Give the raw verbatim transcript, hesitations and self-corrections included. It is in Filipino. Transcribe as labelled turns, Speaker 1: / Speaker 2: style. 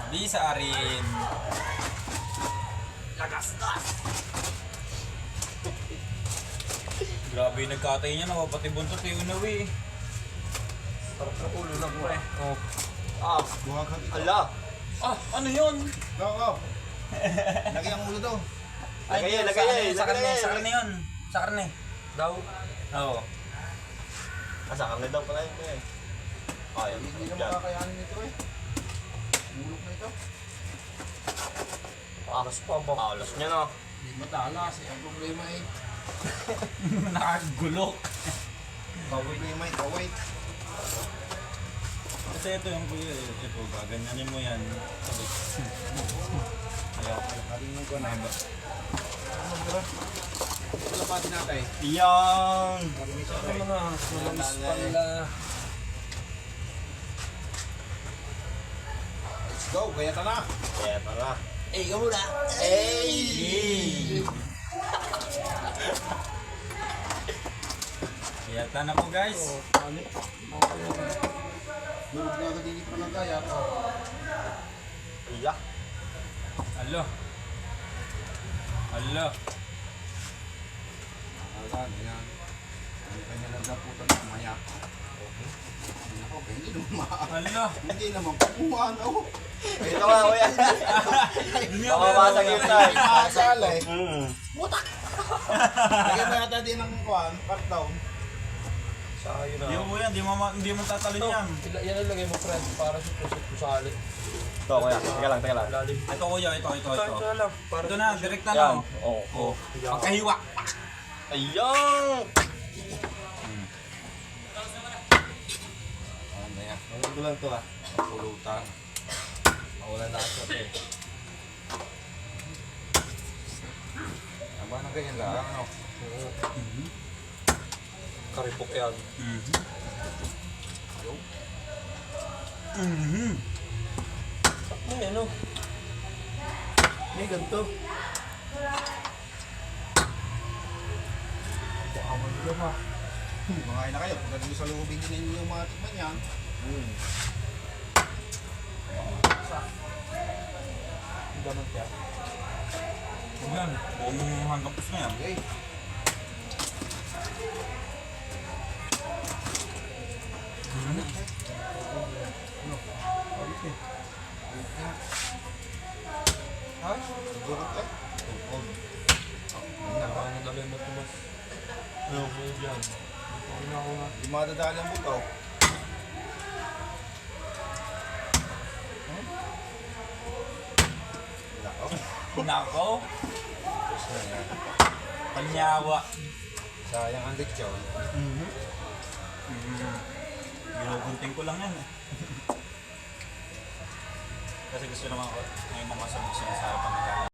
Speaker 1: Di sa arin.
Speaker 2: Lagas-gas!
Speaker 1: Grabe yung nagkatay niya, napapati buntot yung unawi.
Speaker 2: Sarap na ulo na pre.
Speaker 1: Oh.
Speaker 2: Ah,
Speaker 3: Buhagag ito.
Speaker 2: ala!
Speaker 1: Ah, ano yun?
Speaker 3: Go, go. Lagay ang ulo daw.
Speaker 1: Ay,
Speaker 2: Lagay yan,
Speaker 1: sa
Speaker 2: lagay
Speaker 1: ano
Speaker 2: yan,
Speaker 1: yun, Sa
Speaker 2: lagay
Speaker 1: karne,
Speaker 2: yan.
Speaker 1: sa karne yun. Sa karne.
Speaker 2: Daw.
Speaker 1: Oo.
Speaker 2: Ah, sa karne daw pala yun eh. Ayaw,
Speaker 3: Hindi
Speaker 2: sarap
Speaker 3: na
Speaker 2: dyan.
Speaker 3: makakayanin nito eh. Bulok na ito.
Speaker 2: Alas pa ba? Alas niya na.
Speaker 3: Hindi matalas eh. Ang problema eh.
Speaker 1: Nakagulok.
Speaker 3: Ang problema eh. Kawait.
Speaker 1: Kasi ito yung kuya, eh. Ito, gaganyanin mo yan. Sabi. Ayaw.
Speaker 3: Karingin ko na. Ano bro? Wala pa din natin.
Speaker 2: Iyang!
Speaker 3: Karingin siya
Speaker 2: Ano
Speaker 3: rin.
Speaker 2: na? Malamis pala.
Speaker 3: Let's go. Kaya ta na.
Speaker 2: Kaya tara.
Speaker 1: Eh, ikaw muna.
Speaker 2: Hey!
Speaker 1: Yata na po guys.
Speaker 3: Durog na agad din pa ng kaya.
Speaker 2: Iya.
Speaker 1: Alo. Alo.
Speaker 3: Alam, yan. Ang kanya nagdaputan ng maya. Ako, hindi naman maa.
Speaker 1: Alo.
Speaker 3: Hindi naman kumuha na ako.
Speaker 2: Ito nga, kuya. Mamabasag yung time.
Speaker 3: Asala eh.
Speaker 2: Hmm.
Speaker 3: Lagyan mo yata din ng kuhan, part down.
Speaker 2: Sayo na.
Speaker 1: Hindi mo yan, hindi mo, ma- hindi mo tatalon yan.
Speaker 4: Yan ang lagay mo, friend, para sa pusot ko sa alit.
Speaker 2: Ito, kuya. Teka lang, teka lang.
Speaker 4: Lalim.
Speaker 1: Ito kuya, ito, ito, ito.
Speaker 4: Ito lang. Para
Speaker 1: Ito na, direct na
Speaker 2: Yan.
Speaker 1: no.
Speaker 2: Oo.
Speaker 1: Oh. Pagkahiwa.
Speaker 2: Ayan!
Speaker 3: Ano yan? Ano ko lang to ah. Pulutan.
Speaker 2: Mawalan na ako eh.
Speaker 3: Aba na ganyan lang. Ano?
Speaker 4: karipok yan.
Speaker 1: Mhm. Mhm.
Speaker 4: May ano? May ganito.
Speaker 3: Baka magulo ha. Kumain na kayo. Pagka dito sa loobin din ninyo yung mga tikman yan.
Speaker 2: Hmm.
Speaker 4: Ang ganun kaya.
Speaker 1: Huwag yan. Buong hanggang pus na yan.
Speaker 3: Okay. Ha? Sigurot lang. Tungkol.
Speaker 4: Ang dali mo ito mas. Ano mo yan? Ano na ako nga.
Speaker 3: Di madadali ang buto. Nako.
Speaker 1: Nako.
Speaker 3: Tapos na yan.
Speaker 1: Panyawa.
Speaker 3: Sayang ang lechon.
Speaker 1: Mhm. Mhm. Ginugunting ko lang yan eh. Kasi gusto naman ko, may mga sabog sila sa harapan ng